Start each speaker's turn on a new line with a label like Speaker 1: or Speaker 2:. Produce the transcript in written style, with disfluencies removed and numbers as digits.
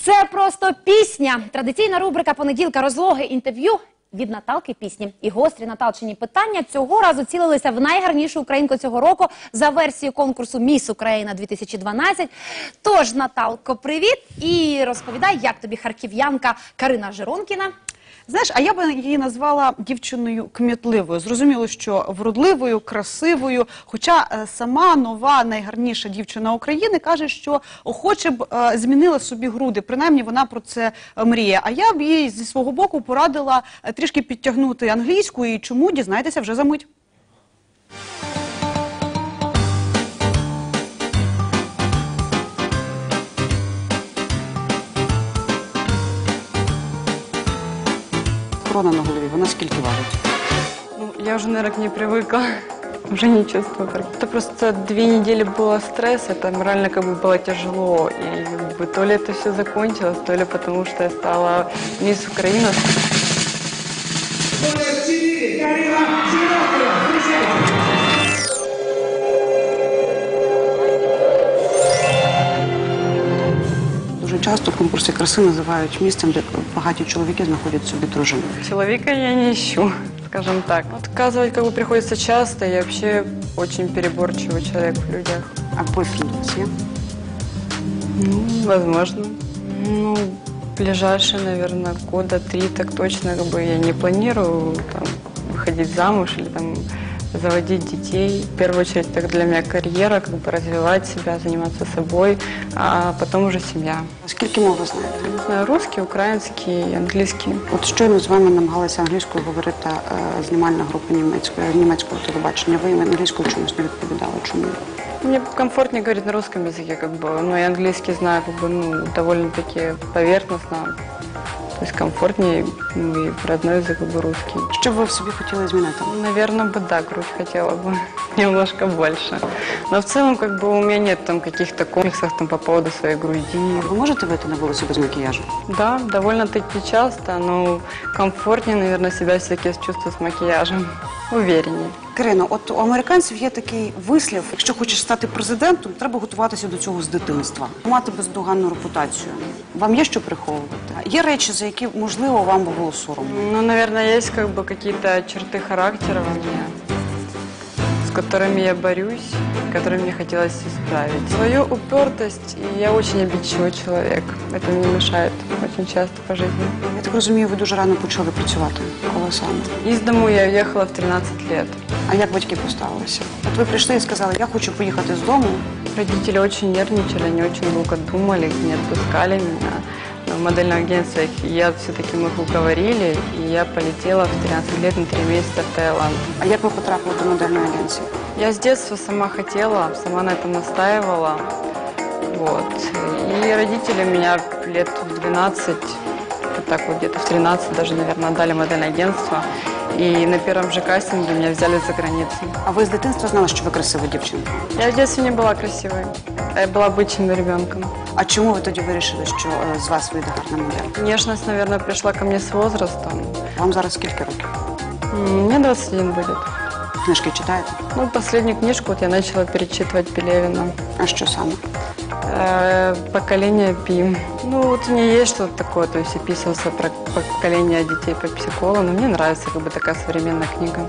Speaker 1: Це просто пісня. Традиційна рубрика «Понеділка розлоги» інтерв'ю від Наталки пісні. І гострі Наталчині питання цього разу цілилися в найгарнішу українку цього року за версією конкурсу «Міс Україна-2012». Тож, Наталко, привіт! І розповідай, як тобі харків'янка Карина Жиронкіна.
Speaker 2: Знаєш, а я б її назвала дівчиною кмітливою. Зрозуміло, що вродливою, красивою. Хоча сама нова, найгарніша дівчина України каже, що охоче б змінила собі груди. Принаймні, вона про це мріє. А я б їй зі свого боку порадила трішки підтягнути англійську. І чому, дізнайтеся вже за мить. Корона на голові, вона скільки варить?
Speaker 3: Ну, я уже, наверное, к ней привыкла. Уже не чувствую. Это просто 2 недели было стресса, это морально как бы было тяжело. И как бы, то ли это все закончилось, то ли потому что я стала мисс Украина.
Speaker 2: Дуже часто конкурси краси називають місцем, де багаті чоловіки знаходять собі дружину.
Speaker 3: Человека я не ищу, скажем так. Отказывать как бы приходится часто, я вообще очень переборчивый человек в людях.
Speaker 2: А бойфренд у вас є?
Speaker 3: Ну, возможно. Ну, ближайшие, наверное, года 3 так точно как бы я не планирую там, выходить замуж или там заводить детей. В первую очередь, так для меня карьера, как бы развивать себя, заниматься собой, а потом уже семья.
Speaker 2: Скільки мов ви знаєте?
Speaker 3: Не знаю, русский, украинский, английский.
Speaker 2: От щойно з вами намагалася англійською говорити знімальна група німецького телебачення. Ви їм англійською чомусь не відповідали. Чому?
Speaker 3: Мне комфортнее говорить на русском языке, как бы, но и английский знаю, как бы, ну, довольно-таки поверхностно. То есть комфортнее, ну, и родной язык, как бы, русский.
Speaker 2: Що б ви в собі хотіли змінити?
Speaker 3: Наверное, бы, да, грудь хотела бы немножко больше. Но в целом, как бы, у меня нет там каких-то комплексов там, по поводу своей груди.
Speaker 2: Ви можете вийти на вулицю без макіяжу?
Speaker 3: Да, довольно-таки часто, но комфортнее, наверное, себя все-таки чувствую с макияжем. Увереннее.
Speaker 2: Кирино, от у американців є такий вислів: якщо хочеш стати президентом, треба готуватися до цього з дитинства. Мати бездоганну репутацію. Вам є що приховувати? Є речі, за які, можливо, вам би було соромно?
Speaker 3: Ну, наверное, есть как бы какие-то черты характера во мне, с которыми я борюсь, которые мне хотелось исправить. Свою упертость, и я очень обидчивый человек. Это мне мешает очень часто по жизни.
Speaker 2: Я так розумію, ви дуже рано почали працювати. Коли саме?
Speaker 3: Из дому я уехала в 13 лет.
Speaker 2: А як батьки поставилися? От ви прийшли і сказали, я хочу поїхати з дому.
Speaker 3: Родители очень нервничали, они очень долго думали, не отпускали меня. Но в модельном агентстве я все-таки мы их уговорили, и я полетела в 13 лет на 3 месяца в Таиланд.
Speaker 2: А як ви потрапили до модельної агенції?
Speaker 3: Я с детства сама хотела, сама на этом настаивала. Вот. И родители меня лет в 12, вот так вот где-то в 13 даже, наверное, отдали в модельное агентство. И на первом же кастинге меня взяли за границу.
Speaker 2: А ви з дитинства знали, що ви красива дівчинка?
Speaker 3: Я в детстве не была красивой. Я была обычным ребенком.
Speaker 2: А чому ви тоді вирішили, що з вас вийде гарна модель?
Speaker 3: Внешность, наверное, пришла ко мне с возрастом.
Speaker 2: Вам зараз скільки років?
Speaker 3: Мне 21 будет.
Speaker 2: Книжки читаєте?
Speaker 3: Ну, последнюю книжку вот я начала перечитывать Пелевина.
Speaker 2: А що саме?
Speaker 3: «Поколение Пи». Ну, вот у меня есть что-то такое, то есть описывался про поколение детей по психологу, но мне нравится как бы такая современная книга.